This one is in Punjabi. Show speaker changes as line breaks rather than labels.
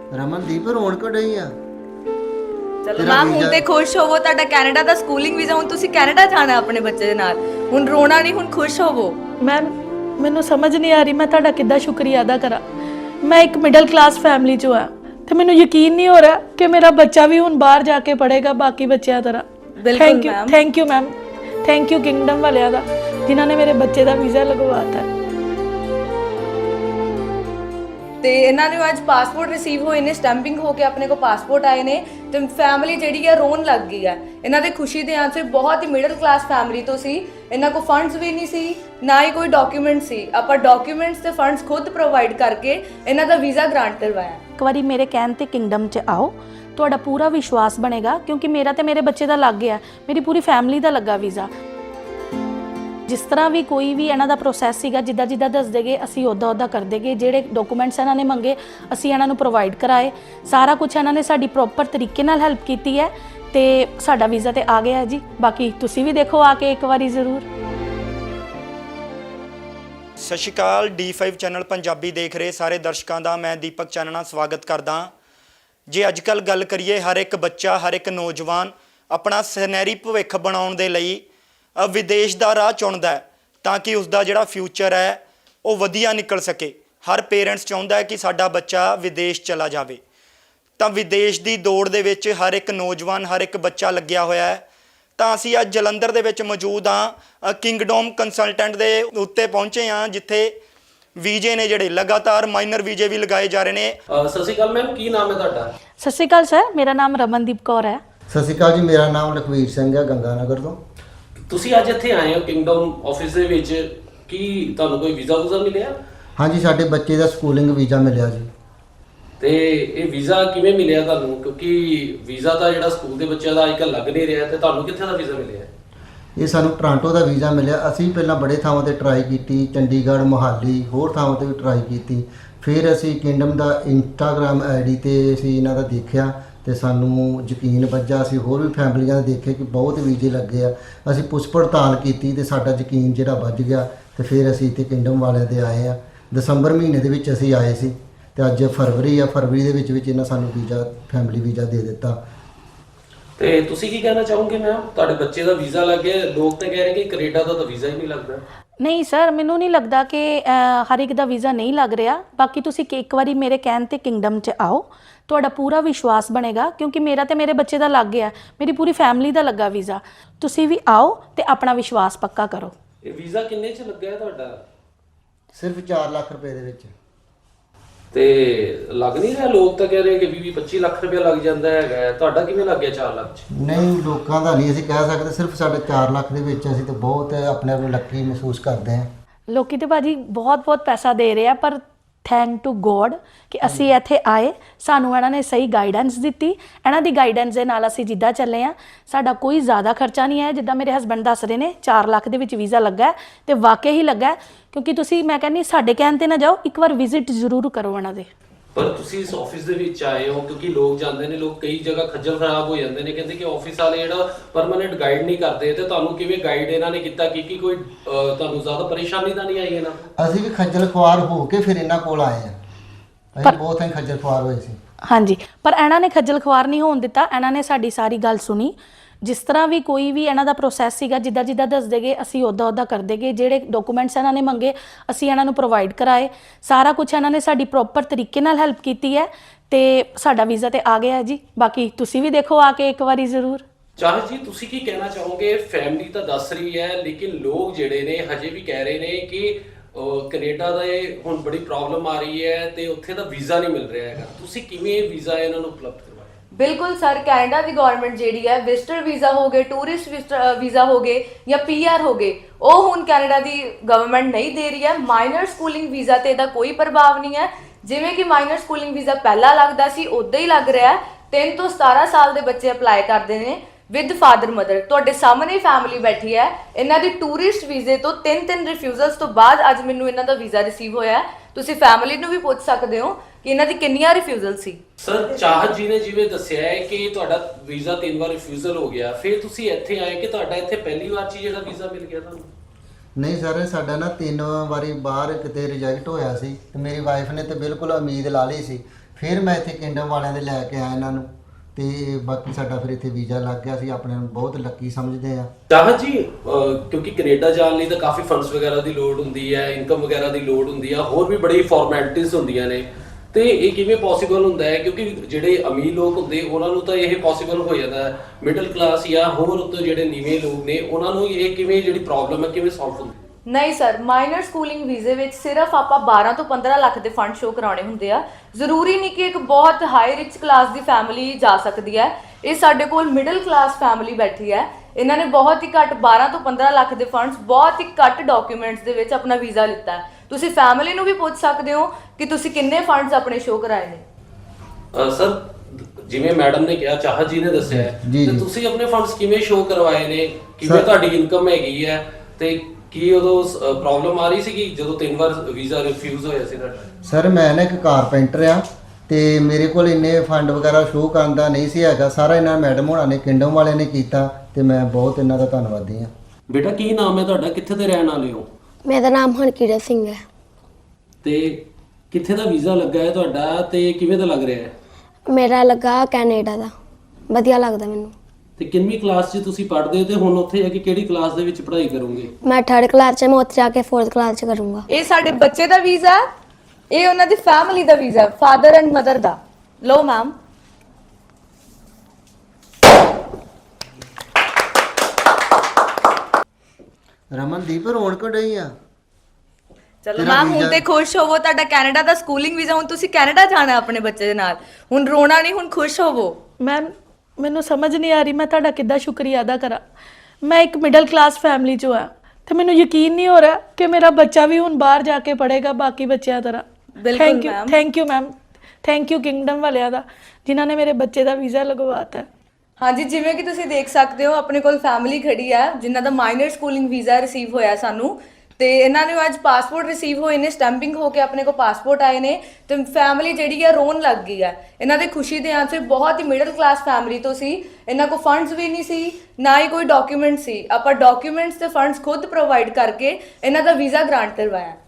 ਰਮਨਦੀਪ ਰੋਣ ਕਢਈ ਆ।
ਚਲੋ ਮੈਮ ਹੁਣ ਤੇ ਖੁਸ਼ ਹੋਵੋ, ਤੁਹਾਡਾ ਕੈਨੇਡਾ ਦਾ ਸਕੂਲਿੰਗ ਵੀਜ਼ਾ, ਹੁਣ ਤੁਸੀਂ ਕੈਨੇਡਾ ਜਾਣਾ ਆਪਣੇ ਬੱਚੇ ਦੇ ਨਾਲ, ਹੁਣ ਰੋਣਾ ਨਹੀਂ, ਹੁਣ ਖੁਸ਼ ਹੋਵੋ।
ਮੈਮ ਮੈਨੂੰ ਸਮਝ ਨਹੀਂ ਆ ਰਹੀ ਮੈਂ ਤੁਹਾਡਾ ਕਿੱਦਾਂ ਸ਼ੁਕਰੀਆ ਅਦਾ ਕਰਾਂ। ਮੈਂ ਇੱਕ ਮਿਡਲ ਕਲਾਸ ਫੈਮਿਲੀ ਚੋਂ ਆ ਤੇ ਮੈਨੂੰ ਯਕੀਨ ਨਹੀਂ ਹੋ ਰਿਹਾ ਕਿ ਮੇਰਾ ਬੱਚਾ ਵੀ ਹੁਣ ਬਾਹਰ ਜਾ ਕੇ ਪੜ੍ਹੇਗਾ ਬਾਕੀ ਬੱਚਿਆਂ ਤਰ੍ਹਾਂ।
ਬਿਲਕੁਲ ma'am,
thank you ma'am, thank you kingdom ਵਾਲਿਆਂ ਦਾ ਜਿਨ੍ਹਾਂ ਨੇ ਮੇਰੇ ਬੱਚੇ ਦਾ ਵੀਜ਼ਾ ਲਗਵਾਤਾ।
ਤੇ ਇਹਨਾਂ ਨੂੰ ਅੱਜ ਪਾਸਪੋਰਟ ਰਿਸੀਵ ਹੋਏ ਨੇ, ਸਟੈਂਪਿੰਗ ਹੋ ਕੇ ਆਪਣੇ ਕੋਲ ਪਾਸਪੋਰਟ ਆਏ ਨੇ ਤੇ ਫੈਮਿਲੀ ਜਿਹੜੀ ਹੈ ਰੋਣ ਲੱਗ ਗਈ ਹੈ। ਇਹਨਾਂ ਦੇ ਖੁਸ਼ੀ ਦੇ ਆਂਸਰ ਬਹੁਤ ਹੀ ਮਿਡਲ ਕਲਾਸ ਫੈਮਿਲੀ ਤੋਂ ਸੀ। ਇਹਨਾਂ ਕੋਲ ਫੰਡਸ ਵੀ ਨਹੀਂ ਸੀ, ਨਾ ਹੀ ਕੋਈ ਡਾਕੂਮੈਂਟ ਸੀ। ਆਪਾਂ ਡਾਕੂਮੈਂਟਸ ਤੇ ਫੰਡਸ ਖੁਦ ਪ੍ਰੋਵਾਈਡ ਕਰਕੇ ਇਹਨਾਂ ਦਾ ਵੀਜ਼ਾ ਗ੍ਰਾਂਟ ਕਰਵਾਇਆ।
ਇੱਕ ਵਾਰੀ ਮੇਰੇ ਕਹਿਣ ਤੇ ਕਿੰਗਡਮ 'ਚ ਆਓ, ਤੁਹਾਡਾ ਪੂਰਾ ਵਿਸ਼ਵਾਸ ਬਣੇਗਾ ਕਿਉਂਕਿ ਮੇਰਾ ਤੇ ਮੇਰੇ ਬੱਚੇ ਦਾ ਲੱਗ ਗਿਆ, ਮੇਰੀ ਪੂਰੀ ਫੈਮਿਲੀ ਦਾ ਲੱਗਾ ਵੀਜ਼ਾ। ਜਿਸ ਤਰ੍ਹਾਂ ਵੀ ਕੋਈ ਵੀ ਇਹਨਾਂ ਦਾ ਪ੍ਰੋਸੈਸ ਸੀਗਾ, ਜਿੱਦਾਂ ਜਿੱਦਾਂ ਦੱਸਦੇ ਗਏ ਅਸੀਂ ਉੱਦਾਂ ਕਰ ਦੇਗੇ। ਜਿਹੜੇ ਡਾਕੂਮੈਂਟਸ ਇਹਨਾਂ ਨੇ ਮੰਗੇ ਅਸੀਂ ਇਹਨਾਂ ਨੂੰ ਪ੍ਰੋਵਾਈਡ ਕਰਾਏ, ਸਾਰਾ ਕੁਝ ਇਹਨਾਂ ਨੇ ਸਾਡੀ ਪ੍ਰੋਪਰ ਤਰੀਕੇ ਨਾਲ ਹੈਲਪ ਕੀਤੀ ਹੈ ਤੇ ਸਾਡਾ ਵੀਜ਼ਾ ਤੇ ਆ ਗਿਆ ਜੀ। ਬਾਕੀ ਤੁਸੀਂ ਵੀ ਦੇਖੋ ਆ ਕੇ ਇੱਕ ਵਾਰੀ ਜ਼ਰੂਰ।
ਸਤਿ ਸ਼੍ਰੀ ਅਕਾਲ, D5 ਚੈਨਲ ਪੰਜਾਬੀ ਦੇਖ ਰਹੇ ਸਾਰੇ ਦਰਸ਼ਕਾਂ ਦਾ ਮੈਂ ਦੀਪਕ ਚਾਨਣਾ ਸਵਾਗਤ ਕਰਦਾ। ਜੇ ਅੱਜ ਕੱਲ੍ਹ ਗੱਲ ਕਰੀਏ, ਹਰ ਇੱਕ ਬੱਚਾ, ਹਰ ਇੱਕ ਨੌਜਵਾਨ ਆਪਣਾ ਸੁਨਹਿਰੀ ਭਵਿੱਖ ਬਣਾਉਣ ਦੇ ਲਈ ਵਿਦੇਸ਼ ਦਾ ਰਾਹ ਚੁਣਦਾ ਹੈ ਤਾਂ ਕਿ ਉਸਦਾ ਜਿਹੜਾ ਫਿਊਚਰ ਹੈ ਉਹ ਵਧੀਆ ਨਿਕਲ ਸਕੇ। ਹਰ ਪੇਰੈਂਟਸ ਚਾਹੁੰਦਾ ਹੈ ਕਿ ਸਾਡਾ ਬੱਚਾ ਵਿਦੇਸ਼ ਚਲਾ ਜਾਵੇ। ਤਾਂ ਵਿਦੇਸ਼ ਦੀ ਦੌੜ ਦੇ ਵਿੱਚ ਹਰ ਇੱਕ ਨੌਜਵਾਨ, ਹਰ ਇੱਕ ਬੱਚਾ ਲੱਗਿਆ ਹੋਇਆ ਹੈ। ਤਾਂ ਅਸੀਂ ਅੱਜ ਜਲੰਧਰ ਦੇ ਵਿੱਚ ਮੌਜੂਦ ਹਾਂ, ਕਿੰਗਡਮ ਕੰਸਲਟੈਂਟ ਦੇ ਉੱਤੇ ਪਹੁੰਚੇ ਹਾਂ, ਜਿੱਥੇ ਵੀਜ਼ੇ ਨੇ ਜਿਹੜੇ ਲਗਾਤਾਰ ਮਾਈਨਰ ਵੀਜ਼ੇ ਵੀ ਲਗਾਏ ਜਾ ਰਹੇ ਨੇ।
ਸਤਿ ਸ਼੍ਰੀ ਅਕਾਲ ਮੈਮ, ਕੀ ਨਾਮ ਹੈ ਤੁਹਾਡਾ?
ਸਤਿ ਸ਼੍ਰੀ ਅਕਾਲ ਸਰ, ਮੇਰਾ ਨਾਮ ਰਮਨਦੀਪ ਕੌਰ ਹੈ।
ਸਤਿ ਸ਼੍ਰੀ ਅਕਾਲ ਜੀ, ਮੇਰਾ ਨਾਮ ਲਖਵੀਰ ਸਿੰਘ ਹੈ, ਗੰਗਾਨਗਰ ਤੋਂ।
ਤੁਸੀਂ ਅੱਜ ਇੱਥੇ ਆਏ ਹੋ ਕਿੰਗਡਮ ਆਫਿਸ ਦੇ ਵਿੱਚ, ਕੀ ਤੁਹਾਨੂੰ ਕੋਈ ਵੀਜ਼ਾ ਮਿਲਿਆ?
ਹਾਂਜੀ, ਸਾਡੇ ਬੱਚੇ ਦਾ ਸਕੂਲਿੰਗ ਵੀਜ਼ਾ ਮਿਲਿਆ ਜੀ।
ਤੇ ਇਹ ਵੀਜ਼ਾ ਕਿਵੇਂ ਮਿਲਿਆ ਤੁਹਾਨੂੰ? ਕਿਉਂਕਿ ਵੀਜ਼ਾ ਤਾਂ ਜਿਹੜਾ ਸਕੂਲ ਦੇ ਬੱਚਿਆਂ ਦਾ ਅੱਜਕੱਲ ਲੱਗ ਨਹੀਂ ਰਿਹਾ, ਤੇ ਤੁਹਾਨੂੰ ਕਿੱਥੇ ਦਾ ਵੀਜ਼ਾ ਮਿਲਿਆ?
ਇਹ ਸਾਨੂੰ ਟੋਰਾਂਟੋ ਦਾ ਵੀਜ਼ਾ ਮਿਲਿਆ। ਅਸੀਂ ਪਹਿਲਾਂ ਬੜੇ ਥਾਵਾਂ ਤੇ ਟਰਾਈ ਕੀਤੀ, ਚੰਡੀਗੜ੍ਹ, ਮੋਹਾਲੀ, ਹੋਰ ਥਾਵਾਂ ਤੇ ਵੀ ਟਰਾਈ ਕੀਤੀ। ਫਿਰ ਅਸੀਂ ਕਿੰਗਡਮ ਦਾ ਇੰਸਟਾਗ੍ਰਾਮ ਆਈਡੀ ਤੇ ਅਸੀਂ ਇਹਨਾਂ ਦਾ ਦੇਖਿਆ ਤੇ ਸਾਨੂੰ ਯਕੀਨ ਵੱਜਾ। ਅਸੀਂ ਹੋਰ ਵੀ ਫੈਮਲੀਆਂ ਦੇ ਦੇਖੇ ਕਿ ਬਹੁਤ ਵੀਜ਼ੇ ਲੱਗੇ ਆ। ਅਸੀਂ ਪੁੱਛ ਪੜਤਾਲ ਕੀਤੀ ਤੇ ਸਾਡਾ ਯਕੀਨ ਜਿਹੜਾ ਵੱਜ ਗਿਆ ਤੇ ਫਿਰ ਅਸੀਂ ਇੱਥੇ ਕਿੰਗਡਮ ਵਾਲਿਆਂ ਦੇ ਆਏ ਆ। ਦਸੰਬਰ ਮਹੀਨੇ ਦੇ ਵਿੱਚ ਅਸੀਂ ਆਏ ਸੀ ਤੇ ਅੱਜ ਫਰਵਰੀ ਦੇ ਵਿੱਚ ਇਹਨਾਂ ਸਾਨੂੰ ਵੀਜ਼ਾ, ਫੈਮਿਲੀ ਵੀਜ਼ਾ ਦੇ ਦਿੱਤਾ।
ਤੇ ਤੁਸੀਂ ਕੀ ਕਹਿਣਾ ਚਾਹੋਗੇ ਮੈਮ? ਤੁਹਾਡੇ ਬੱਚੇ ਦਾ ਵੀਜ਼ਾ ਲੱਗ ਗਿਆ, ਲੋਕ ਤਾਂ ਕਹਿ ਰਹੇ ਕਿ ਕੈਨੇਡਾ ਦਾ ਤਾਂ ਵੀਜ਼ਾ ਹੀ ਨਹੀਂ ਲੱਗਦਾ।
ਨਹੀਂ ਸਰ, ਮੈਨੂੰ ਨਹੀਂ ਲੱਗਦਾ ਕਿ ਹਰ ਇੱਕ ਦਾ ਵੀਜ਼ਾ ਨਹੀਂ ਲੱਗ ਰਿਹਾ। ਬਾਕੀ ਤੁਸੀਂ ਇੱਕ ਵਾਰੀ ਮੇਰੇ ਕਹਿਣ ਤੇ ਕਿੰਗਡਮ 'ਚ ਆਓ, ਤੁਹਾਡਾ ਪੂਰਾ ਵਿਸ਼ਵਾਸ ਬਣੇਗਾ ਕਿਉਂਕਿ ਮੇਰਾ ਤੇ ਮੇਰੇ ਬੱਚੇ ਦਾ ਲੱਗ ਗਿਆ, ਮੇਰੀ ਪੂਰੀ ਫੈਮਿਲੀ ਦਾ ਲੱਗਾ ਵੀਜ਼ਾ। ਤੁਸੀਂ ਵੀ ਆਓ ਤੇ ਆਪਣਾ ਵਿਸ਼ਵਾਸ ਪੱਕਾ ਕਰੋ।
ਇਹ ਵੀਜ਼ਾ ਕਿੰਨੇ 'ਚ ਲੱਗਾ ਹੈ ਤੁਹਾਡਾ?
ਸਿਰਫ 4 ਲੱਖ ਰੁਪਏ ਦੇ ਵਿੱਚ।
ਤੇ ਲੱਗ ਨਹੀਂ ਰਿਹਾ? ਲੋਕ ਤਾਂ ਕਹਿ ਰਹੇ ਕਿ 20-25 ਲੱਖ ਰੁਪਏ ਲੱਗ ਜਾਂਦਾ ਹੈਗਾ, ਤੁਹਾਡਾ ਕਿਵੇਂ ਲੱਗ ਗਿਆ 4 ਲੱਖ 'ਚ?
ਨਹੀਂ, ਲੋਕਾਂ ਦਾ ਨਹੀਂ ਅਸੀਂ ਕਹਿ ਸਕਦੇ, ਸਿਰਫ ਸਾਡੇ 4 ਲੱਖ ਦੇ ਵਿੱਚ ਅਸੀਂ ਤਾਂ ਬਹੁਤ ਆਪਣੇ ਆਪ ਨੂੰ ਲੱਕੀ ਮਹਿਸੂਸ ਕਰਦੇ ਹਾਂ।
ਲੋਕੀ ਤੇ ਭਾਜੀ ਬਹੁਤ ਪੈਸਾ ਦੇ ਰਹੇ ਆ, ਪਰ ਥੈਂਕ ਟੂ ਗੋਡ ਕਿ ਅਸੀਂ ਇੱਥੇ ਆਏ, ਸਾਨੂੰ ਇਹਨਾਂ ਨੇ ਸਹੀ ਗਾਈਡੈਂਸ ਦਿੱਤੀ। ਇਹਨਾਂ ਦੀ ਗਾਈਡੈਂਸ ਦੇ ਨਾਲ ਅਸੀਂ ਜਿੱਦਾਂ ਚੱਲੇ ਆ, ਸਾਡਾ ਕੋਈ ਜ਼ਿਆਦਾ ਖਰਚਾ ਨਹੀਂ ਹੈ। ਜਿੱਦਾਂ ਮੇਰੇ ਹਸਬੈਂਡ ਦੱਸ ਰਹੇ ਨੇ 4 ਲੱਖ ਦੇ ਵਿੱਚ ਵੀਜ਼ਾ ਲੱਗਾ ਤੇ ਵਾਕਈ ਹੀ ਲੱਗਾ। ਕਿਉਂਕਿ ਤੁਸੀਂ, ਮੈਂ ਕਹਿੰਦੀ ਸਾਡੇ ਕਹਿਣ ਤੇ ਨਾ ਜਾਓ, ਇੱਕ ਵਾਰ ਵਿਜ਼ਿਟ ਜ਼ਰੂਰ ਕਰੋ ਇਹਨਾਂ ਦੇ।
ਪਰ ਤੁਸੀਂ ਇਸ ਆਫਿਸ ਦੇ ਵਿੱਚ ਆਏ ਹੋ ਕਿਉਂਕਿ ਲੋਕ ਜਾਂਦੇ ਨੇ, ਲੋਕ ਕਈ ਜਗ੍ਹਾ ਖੱਜਲ ਖਰਾਬ ਹੋ ਜਾਂਦੇ ਨੇ, ਕਹਿੰਦੇ ਕਿ ਆਫਿਸ ਵਾਲੇ ਜਿਹੜਾ ਪਰਮਾਨੈਂਟ ਗਾਈਡ ਨਹੀਂ ਕਰਦੇ। ਤੇ ਤੁਹਾਨੂੰ ਕਿਵੇਂ ਗਾਈਡ ਇਹਨਾਂ ਨੇ ਕੀਤਾ? ਕੀ ਕੋਈ ਤੁਹਾਨੂੰ ਜ਼ਿਆਦਾ ਪਰੇਸ਼ਾਨੀ ਤਾਂ ਨਹੀਂ ਆਈ ਇਹਨਾਂ?
ਅਸੀਂ ਵੀ ਖੱਜਲ ਖੁਆਰ ਹੋ ਕੇ ਫਿਰ ਇਹਨਾਂ ਕੋਲ ਆਏ ਆ। ਅਸੀਂ ਬਹੁਤ ਹੀ ਖੱਜਲ ਖੁਆਰ ਹੋਏ ਸੀ।
ਹਾਂਜੀ, ਪਰ ਇਹਨਾਂ ਨੇ ਖੱਜਲ ਖੁਆਰ ਨਹੀਂ ਹੋਣ ਦਿੱਤਾ। ਇਹਨਾਂ ਨੇ ਸਾਡੀ ਸਾਰੀ ਗੱਲ ਸੁਣੀ। ਜਿਸ ਤਰ੍ਹਾਂ ਵੀ ਕੋਈ ਵੀ ਇਹਨਾਂ ਦਾ ਪ੍ਰੋਸੈਸ ਸੀਗਾ, ਜਿੱਦਾਂ ਜਿੱਦਾਂ ਦੱਸਦੇ ਗਏ ਅਸੀਂ ਉੱਦਾਂ ਕਰ ਦੇਗੇ। ਜਿਹੜੇ ਡਾਕੂਮੈਂਟਸ ਇਹਨਾਂ ਨੇ ਮੰਗੇ ਅਸੀਂ ਇਹਨਾਂ ਨੂੰ ਪ੍ਰੋਵਾਈਡ ਕਰਾਏ, ਸਾਰਾ ਕੁਝ ਇਹਨਾਂ ਨੇ ਸਾਡੀ ਪ੍ਰੋਪਰ ਤਰੀਕੇ ਨਾਲ ਹੈਲਪ ਕੀਤੀ ਹੈ ਤੇ ਸਾਡਾ ਵੀਜ਼ਾ ਤੇ ਆ ਗਿਆ ਜੀ। ਬਾਕੀ ਤੁਸੀਂ ਵੀ ਦੇਖੋ ਆ ਕੇ ਇੱਕ ਵਾਰੀ ਜ਼ਰੂਰ।
ਚਾਹਤ ਜੀ, ਤੁਸੀਂ ਕੀ ਕਹਿਣਾ ਚਾਹੋਗੇ? ਫੈਮਿਲੀ ਤਾਂ ਦੱਸ ਰਹੀ ਹੈ, ਲੇਕਿਨ ਲੋਕ ਜਿਹੜੇ ਨੇ ਹਜੇ ਵੀ ਕਹਿ ਰਹੇ ਨੇ ਕਿ ਕੈਨੇਡਾ ਦਾ ਇਹ ਹੁਣ ਬੜੀ ਪ੍ਰੋਬਲਮ ਆ ਰਹੀ ਹੈ ਤੇ ਉੱਥੇ ਦਾ ਵੀਜ਼ਾ ਨਹੀਂ ਮਿਲ ਰਿਹਾ ਹੈਗਾ। ਤੁਸੀਂ ਕਿਵੇਂ ਵੀਜ਼ਾ ਇਹਨਾਂ ਨੂੰ ਉਪਲਬਧ ਕਰਵਾਇਆ?
ਬਿਲਕੁਲ ਸਰ, ਕੈਨੇਡਾ ਦੀ ਗਵਰਨਮੈਂਟ ਜਿਹੜੀ ਹੈ, ਵਿਜ਼ਟਰ ਵੀਜ਼ਾ ਹੋ ਗਏ, ਟੂਰਿਸਟ ਵੀਜ਼ਾ ਹੋ ਗਏ ਜਾਂ PR ਹੋ ਗਏ, ਉਹ ਹੁਣ ਕੈਨੇਡਾ ਦੀ ਗਵਰਨਮੈਂਟ ਨਹੀਂ ਦੇ ਰਹੀ ਹੈ। ਮਾਈਨਰ ਸਕੂਲਿੰਗ ਵੀਜ਼ਾ ਤੇ ਇਹਦਾ ਕੋਈ ਪ੍ਰਭਾਵ ਨਹੀਂ ਹੈ। ਜਿਵੇਂ ਕਿ ਮਾਈਨਰ ਸਕੂਲਿੰਗ ਵੀਜ਼ਾ ਪਹਿਲਾਂ ਲੱਗਦਾ ਸੀ, ਉਦਾਂ ਹੀ ਲੱਗ ਰਿਹਾ ਹੈ। 3 ਤੋਂ 17 ਸਾਲ ਦੇ ਬੱਚੇ ਅਪਲਾਈ ਕਰਦੇ ਨੇ ਵਿਦ ਫਾਦਰ ਮਦਰ। ਤੁਹਾਡੇ ਸਾਹਮਣੇ ਫੈਮਿਲੀ ਬੈਠੀ ਹੈ। ਇਹਨਾਂ ਦੀ ਟੂਰਿਸਟ ਵੀਜ਼ੇ ਤੋਂ 3 ਰਿਫਿਊਜ਼ਲਸ ਤੋਂ ਬਾਅਦ ਅੱਜ ਮੈਨੂੰ ਇਹਨਾਂ ਦਾ ਵੀਜ਼ਾ ਰਿਸੀਵ ਹੋਇਆ। ਤੁਸੀਂ ਫੈਮਿਲੀ ਨੂੰ ਵੀ ਪੁੱਛ ਸਕਦੇ ਹੋ ਕਿ ਇਹਨਾਂ ਦੀ ਕਿੰਨੀਆਂ ਰਿਫਿਊਜ਼ਲ ਸੀ।
ਸਰ, ਚਾਹਤ ਜੀ ਨੇ ਜਿਵੇਂ ਦੱਸਿਆ ਹੈ ਕਿ ਤੁਹਾਡਾ ਵੀਜ਼ਾ 3 ਵਾਰ ਰਿਫਿਊਜ਼ਲ ਹੋ ਗਿਆ, ਫਿਰ ਤੁਸੀਂ ਇੱਥੇ ਆਏ ਕਿ ਤੁਹਾਡਾ ਇੱਥੇ ਪਹਿਲੀ ਵਾਰ 'ਚ ਜਿਹੜਾ ਵੀਜ਼ਾ ਮਿਲ ਗਿਆ ਤੁਹਾਨੂੰ?
ਨਹੀਂ ਸਰ, ਸਾਡਾ ਨਾ 3 ਵਾਰੀ ਬਾਹਰ ਕਿਤੇ ਰਿਜੈਕਟ ਹੋਇਆ ਸੀ ਤੇ ਮੇਰੀ ਵਾਈਫ ਨੇ ਤੇ ਬਿਲਕੁਲ ਉਮੀਦ ਲਾ ਲਈ ਸੀ ਫਿਰ ਮੈਂ ਇੱਥੇ ਕਿੰਗਡਮ ਵਾਲਿਆਂ ਦੇ ਲੈ ਕੇ ਆਇਆ ਇਹਨਾਂ ਨੂੰ, ਤੇ ਬਾਕੀ ਸਾਡਾ ਫਿਰ ਇੱਥੇ ਵੀਜ਼ਾ ਲੱਗ ਗਿਆ। ਅਸੀਂ ਆਪਣੇ ਨੂੰ ਬਹੁਤ ਲੱਕੀ ਸਮਝਦੇ ਆ।
ਚਾਹਤ ਜੀ, ਕਿਉਂਕਿ ਕੈਨੇਡਾ ਜਾਣ ਲਈ ਤਾਂ ਕਾਫੀ ਫੰਡਸ ਵਗੈਰਾ ਦੀ ਲੋੜ ਹੁੰਦੀ ਹੈ, ਇਨਕਮ ਵਗੈਰਾ ਦੀ ਲੋੜ ਹੁੰਦੀ ਆ, ਹੋਰ ਵੀ ਬੜੀ ਫਾਰਮੈਲਿਟੀਜ਼ ਹੁੰਦੀਆਂ ਨੇ, ਤੇ ਇਹ ਕਿਵੇਂ ਪੋਸੀਬਲ ਹੁੰਦਾ ਹੈ? ਕਿਉਂਕਿ ਜਿਹੜੇ ਅਮੀਰ ਲੋਕ ਹੁੰਦੇ ਉਹਨਾਂ ਨੂੰ ਤਾਂ ਇਹ ਪੋਸੀਬਲ ਹੋ ਜਾਂਦਾ ਹੈ, ਮਿਡਲ ਕਲਾਸ ਜਾਂ ਹੋਰ ਉੱਤੇ ਜਿਹੜੇ ਨੀਵੇਂ ਲੋਕ ਨੇ ਉਹਨਾਂ ਨੂੰ ਇਹ ਕਿਵੇਂ ਜਿਹੜੀ ਪ੍ਰੋਬਲਮ ਹੈ ਕਿਵੇਂ ਸੋਲਵ ਹੁੰਦੀ?
ਨਹੀਂ ਸਰ, ਮਾਈਨਰ ਸਕੂਲਿੰਗ ਵੀਜ਼ੇ ਵਿੱਚ ਸਿਰਫ ਆਪਾਂ 12 ਤੋਂ 15 ਲੱਖ ਦੇ ਫੰਡ ਸ਼ੋ ਕਰਾਉਣੇ ਹੁੰਦੇ ਆ। ਜ਼ਰੂਰੀ ਨਹੀਂ ਕਿ ਇੱਕ ਬਹੁਤ ਹਾਈ ਰਿਚ ਕਲਾਸ ਦੀ ਫੈਮਿਲੀ ਜਾ ਸਕਦੀ ਹੈ। ਇਹ ਸਾਡੇ ਕੋਲ ਮਿਡਲ ਕਲਾਸ ਫੈਮਿਲੀ ਬੈਠੀ ਹੈ, ਇਹਨਾਂ ਨੇ ਬਹੁਤ ਹੀ ਘੱਟ 12 ਤੋਂ 15 ਲੱਖ ਦੇ ਫੰਡਸ ਬਹੁਤ ਹੀ ਘੱਟ ਡਾਕੂਮੈਂਟਸ ਦੇ ਵਿੱਚ ਆਪਣਾ ਵੀਜ਼ਾ ਲਿੱਤਾ ਹੈ। ਤੁਸੀਂ ਫੈਮਿਲੀ ਨੂੰ ਵੀ ਪੁੱਛ ਸਕਦੇ ਹੋ ਕਿ ਤੁਸੀਂ ਕਿੰਨੇ ਫੰਡਸ ਆਪਣੇ ਸ਼ੋ ਕਰਾਏ ਨੇ।
ਸਰ, ਜਿਵੇਂ ਮੈਡਮ ਨੇ ਕਿਹਾ, ਚਾਹਤ ਜੀ ਨੇ ਦੱਸਿਆ ਹੈ,
ਜੀ,
ਤੇ
ਜੀ।
ਤੁਸੀਂ ਆਪਣੇ ਫੰਡਸ ਕਿਵੇਂ ਸ਼ੋ ਕਰਵਾਏ ਨੇ? ਕਿਵੇਂ
ਸਰ-
ਤੁਹਾਡੀ ਇਨਕਮ ਹੈਗੀ ਹੈ, ਤੇ ਕੀ ਉਦੋਂ ਪ੍ਰੋਬਲਮ ਆ ਰਹੀ ਸੀਗੀ ਜਦੋਂ 3 ਵਾਰ ਵੀਜ਼ਾ ਰਿਫਿਊਜ਼ ਹੋਇਆ ਸੀ ਤੁਹਾਡਾ?
ਸਰ ਮੈਂ ਨਾ ਇੱਕ ਕਾਰਪੈਂਟਰ ਆ, ਤੇ ਮੇਰੇ ਕੋਲ ਇੰਨੇ ਫੰਡ ਵਗੈਰਾ ਸ਼ੋਅ ਕਰਨ ਦਾ ਨਹੀਂ ਸੀ ਹੈਗਾ। ਸਾਰਾ ਇਹਨਾਂ ਮੈਡਮ ਹੋਣਾ ਨੇ, ਕਿੰਗਡਮ ਵਾਲਿਆਂ ਨੇ ਕੀਤਾ, ਤੇ ਮੈਂ ਬਹੁਤ ਇਹਨਾਂ ਦਾ ਧੰਨਵਾਦੀ ਹਾਂ।
ਬੇਟਾ ਕੀ ਨਾਮ ਹੈ ਤੁਹਾਡਾ, ਕਿੱਥੇ ਦੇ ਰਹਿਣ ਵਾਲੇ ਹੋ?
ਮੇਰਾ ਨਾਮ ਹਰਕਿਰਤ ਸਿੰਘ ਹੈ।
ਤੇ ਕਿੱਥੇ ਦਾ ਵੀਜ਼ਾ ਲੱਗਾ ਹੈ ਤੁਹਾਡਾ, ਤੇ ਕਿਵੇਂ ਦਾ ਲੱਗ ਰਿਹਾ ਹੈ?
ਮੇਰਾ ਲੱਗਾ ਕੈਨੇਡਾ ਦਾ, ਵਧੀਆ ਲੱਗਦਾ ਮੈਨੂੰ।
ਤੇ ਕਿੰਨੀ ਕਲਾਸ 'ਚ ਤੁਸੀਂ ਪੜ੍ਹਦੇ ਹੋ, ਤੇ ਹੁਣ ਉੱਥੇ ਜਾ ਕੇ ਕਿਹੜੀ ਕਲਾਸ ਦੇ ਵਿੱਚ ਪੜ੍ਹਾਈ ਕਰੋਗੇ?
ਮੈਂ 3rd ਕਲਾਸ 'ਚ, ਮੈਂ ਉੱਥੇ ਜਾ ਕੇ 4th ਕਲਾਸ 'ਚ ਕਰੂੰਗਾ।
ਇਹ ਸਾਡੇ ਬੱਚੇ ਦਾ ਵੀਜ਼ਾ, ਇਹ ਉਹਨਾਂ ਦੀ ਫੈਮਿਲੀ ਦਾ ਵੀਜ਼ਾ, ਫਾਦਰ ਐਂਡ ਮਦਰ ਦਾ। ਲੋ ਮੈਮ।
ਰਮਨਦੀਪ ਰੌਣਕ ਡਈ ਆ।
ਚਲੋ
ਤੇਰਾ
ਮੈਮ, ਹੁਣ
ਵੀਜ਼ਾ-
ਤੇ ਖੁਸ਼ ਹੋਵੋ, ਤੁਹਾਡਾ ਕੈਨੇਡਾ ਦਾ ਸਕੂਲਿੰਗ ਵੀਜ਼ਾ, ਹੁਣ ਤੁਸੀਂ ਕੈਨੇਡਾ ਜਾਣਾ ਆਪਣੇ ਬੱਚੇ ਦੇ ਨਾਲ। ਹੁਣ ਰੋਣਾ ਨਹੀਂ, ਹੁਣ ਖੁਸ਼ ਹੋਵੋ।
ਮੈਮ ਮੈਨੂੰ ਸਮਝ ਨਹੀਂ ਆ ਰਹੀ ਮੈਂ ਤੁਹਾਡਾ ਕਿੱਦਾਂ ਸ਼ੁਕਰੀਆ ਅਦਾ ਕਰਾਂ। ਮੈਂ ਇੱਕ ਮਿਡਲ ਕਲਾਸ ਫੈਮਿਲੀ ਚੋਂ ਆ, ਤੇ ਮੈਨੂੰ ਯਕੀਨ ਨਹੀਂ ਹੋ ਰਿਹਾ ਕਿ ਮੇਰਾ ਬੱਚਾ ਵੀ ਹੁਣ ਬਾਹਰ ਜਾ ਕੇ ਪੜ੍ਹੇਗਾ ਬਾਕੀ ਬੱਚਿਆਂ ਤਰ੍ਹਾਂ।
ਬਿਲਕੁਲ
thank you,
ma'am।
Thank you ma'am, thank you kingdom ਵਾਲਿਆਂ ਦਾ ਜਿਨ੍ਹਾਂ ਨੇ ਮੇਰੇ ਬੱਚੇ ਦਾ ਵੀਜ਼ਾ ਲਗਵਾਤਾ।
ਹਾਂਜੀ, ਜਿਵੇਂ ਕਿ ਤੁਸੀਂ ਦੇਖ ਸਕਦੇ ਹੋ, ਆਪਣੇ ਕੋਲ ਫੈਮਿਲੀ ਖੜੀ ਹੈ ਜਿਨ੍ਹਾਂ ਦਾ ਮਾਈਨਰ ਸਕੂਲਿੰਗ ਵੀਜ਼ਾ ਰਿਸੀਵ ਹੋਇਆ ਸਾਨੂੰ, ਤੇ ਇਹਨਾਂ ਨੂੰ ਅੱਜ ਪਾਸਪੋਰਟ ਰਿਸੀਵ ਹੋਏ ਨੇ, ਸਟੈਂਪਿੰਗ ਹੋ ਕੇ ਆਪਣੇ ਕੋਲ ਪਾਸਪੋਰਟ ਆਏ ਨੇ, ਤੇ ਫੈਮਿਲੀ ਜਿਹੜੀ ਹੈ ਰੋਣ ਲੱਗ ਗਈ ਹੈ। ਇਹਨਾਂ ਦੇ ਖੁਸ਼ੀ ਦੇ ਆਂਸਰ, ਬਹੁਤ ਹੀ ਮਿਡਲ ਕਲਾਸ ਫੈਮਿਲੀ ਤੋਂ ਸੀ, ਇਹਨਾਂ ਕੋਲ ਫੰਡਸ ਵੀ ਨਹੀਂ ਸੀ, ਨਾ ਹੀ ਕੋਈ ਡਾਕੂਮੈਂਟ ਸੀ। ਆਪਾਂ ਡਾਕੂਮੈਂਟਸ ਤੇ ਫੰਡਸ ਖੁਦ ਪ੍ਰੋਵਾਈਡ ਕਰਕੇ ਇਹਨਾਂ ਦਾ ਵੀਜ਼ਾ ਗ੍ਰਾਂਟ ਕਰਵਾਇਆ।